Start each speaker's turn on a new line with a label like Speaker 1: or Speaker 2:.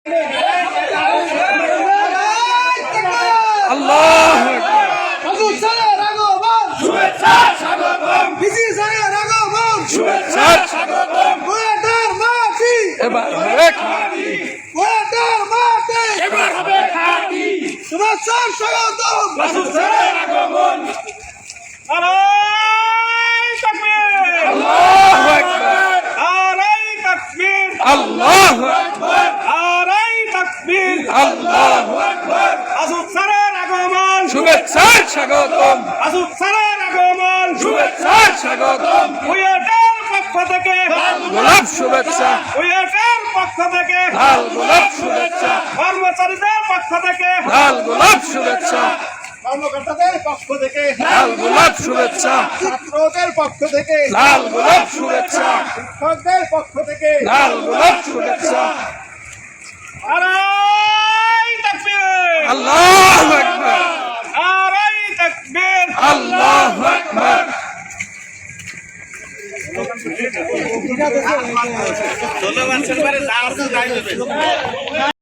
Speaker 1: আল্লাহু আকবার।
Speaker 2: হুজুর স্যারের আগমন,
Speaker 3: শুভেচ্ছা স্বাগতম,
Speaker 2: বিসি স্যারের আগমন,
Speaker 3: শুভেচ্ছা স্বাগতম।
Speaker 2: কুয়েটার মাটি,
Speaker 1: এবার হবে খাঁটি,
Speaker 2: কুয়েটার মাটি,
Speaker 3: এবার হবে খাঁটি,
Speaker 2: শুভেচ্ছার স্বাগতম।
Speaker 3: রাসূল স্যারের আগমন। নারায়ে তাকবীর,
Speaker 1: আল্লাহু আকবার,
Speaker 3: নারায়ে তাকবীর,
Speaker 1: আল্লাহু আকবার,
Speaker 3: নারায়ে তাকবীর,
Speaker 1: আল্লাহু আকবার।
Speaker 3: রাসূল স্যারের আগমন,
Speaker 1: শুভেচ্ছার স্বাগতম,
Speaker 3: রাসূল স্যারের আগমন,
Speaker 1: শুভেচ্ছার স্বাগতম।
Speaker 3: কুয়েটের পক্ষ থেকে,
Speaker 1: গোলাপ শুভেচ্ছা,
Speaker 3: কুয়েটের পক্ষ থেকে,
Speaker 1: লাল গোলাপ শুভেচ্ছা,
Speaker 3: কর্মচারীদের পক্ষ থেকে,
Speaker 1: লাল গোলাপ শুভেচ্ছা,
Speaker 2: কর্মকর্তাদের পক্ষ থেকে,
Speaker 1: লাল গোলাপ শুভেচ্ছা,
Speaker 2: ছাত্রদের পক্ষ থেকে,
Speaker 1: লাল গোলাপ শুভেচ্ছা,
Speaker 2: শিক্ষকদের পক্ষ থেকে,
Speaker 1: লাল গোলাপ শুভেচ্ছা।
Speaker 3: নারায়ে তাকবীর,
Speaker 1: আল্লাহু আকবার,
Speaker 3: নারায়ে তাকবীর।
Speaker 1: আল্লাহু আকবার।
Speaker 3: ধন্যবাদ।